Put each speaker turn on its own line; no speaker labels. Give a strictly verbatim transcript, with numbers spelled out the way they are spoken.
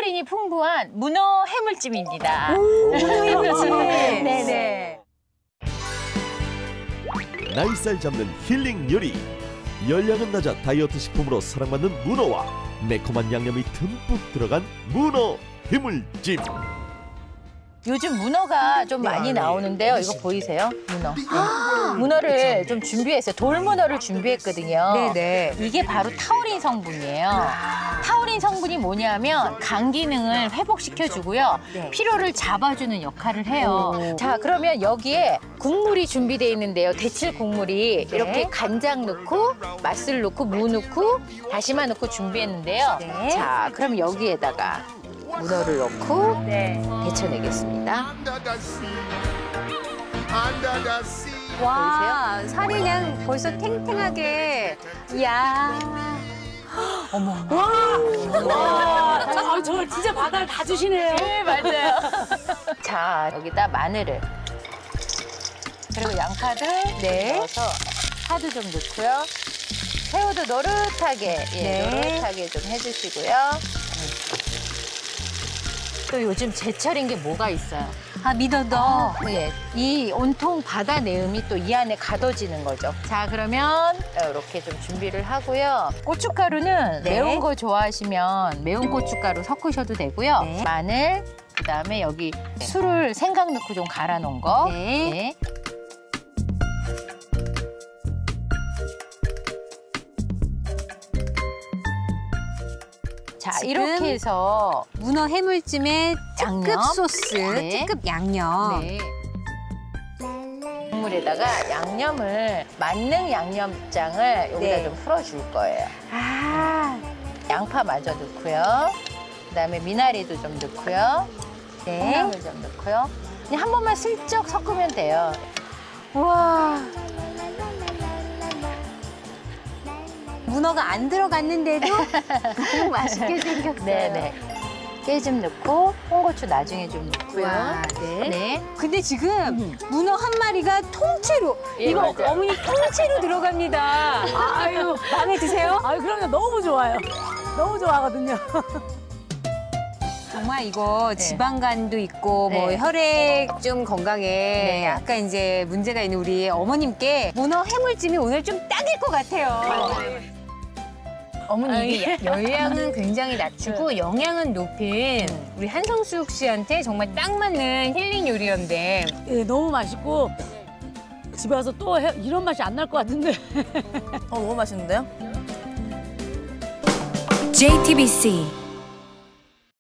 타우린이 풍부한 문어 해물찜입니다.
문어 해물찜.
네네.
나이살 잡는 힐링 요리. 열량은 낮아 다이어트 식품으로 사랑받는 문어와 매콤한 양념이 듬뿍 들어간 문어 해물찜.
요즘 문어가 좀 많이 나오는데요. 이거 보이세요? 문어. 아 문어를 좀 준비했어요. 돌문어를 준비했거든요.
네네.
이게 바로 타우린 성분이에요. 타우린 성분이 뭐냐면 간 기능을 회복시켜주고요.
네.
피로를 잡아주는 역할을 해요.
오.
자, 그러면 여기에 국물이 준비되어 있는데요. 데칠 국물이
네.
이렇게 간장 넣고 맛술 넣고 무 넣고 다시마 넣고 준비했는데요.
네.
자, 그럼 여기에다가 문어를 넣고
네.
데쳐내겠습니다.
와, 살이 그냥 벌써 탱탱하게. 이야.
어머.
와, 아, 저 진짜 바다를 다 주시네요.
네, 맞아요. 자, 여기다 마늘을. 그리고 양파를
네.
넣어서 파도 좀 넣고요. 새우도 노릇하게, 예,
네.
노릇하게 좀 해주시고요. 또 요즘 제철인 게 뭐가 있어요?
아, 미더덕.
어, 예. 이 온통 바다 내음이 또 이 안에 가둬지는 거죠. 자, 그러면 이렇게 좀 준비를 하고요. 고춧가루는
네.
매운 거 좋아하시면 매운 고춧가루 섞으셔도 되고요.
네.
마늘, 그다음에 여기 술을 생강 넣고 좀 갈아 놓은 거.
네.
네. 자,
지금
이렇게 해서
문어 해물찜에 특급
양념.
소스,
네.
특급 양념.
네. 국물에다가 양념을 만능 양념장을 여기다
네.
좀 풀어줄 거예요.
아,
양파 마저 넣고요. 그다음에 미나리도 좀 넣고요.
네.
콩나물 좀 넣고요. 그냥 한 번만 슬쩍 섞으면 돼요.
우와. 문어가 안 들어갔는데도 너무 맛있게 생겼어요.
네네. 깨 좀 넣고 홍고추 나중에 좀 넣고요.
와, 네.
네.
근데 지금 문어 한 마리가 통째로
예,
이거
맞아요.
어머니 통째로 들어갑니다. 아유, 마음에 드세요?
아유, 그럼요. 너무 좋아요. 너무 좋아하거든요.
정말 이거
네.
지방간도 있고 뭐
네.
혈액 좀 건강에
네.
약간 이제 문제가 있는 우리 어머님께 문어 해물찜이 오늘 좀 딱일 것 같아요. 어머니 이게 열량은 굉장히 낮추고 영양은 높인 우리 한성숙 씨한테 정말 딱 맞는 힐링 요리였는데
예, 너무 맛있고 집에 와서 또 해, 이런 맛이 안 날 것 같은데.
어, 너무 맛있는데요?
제이티비씨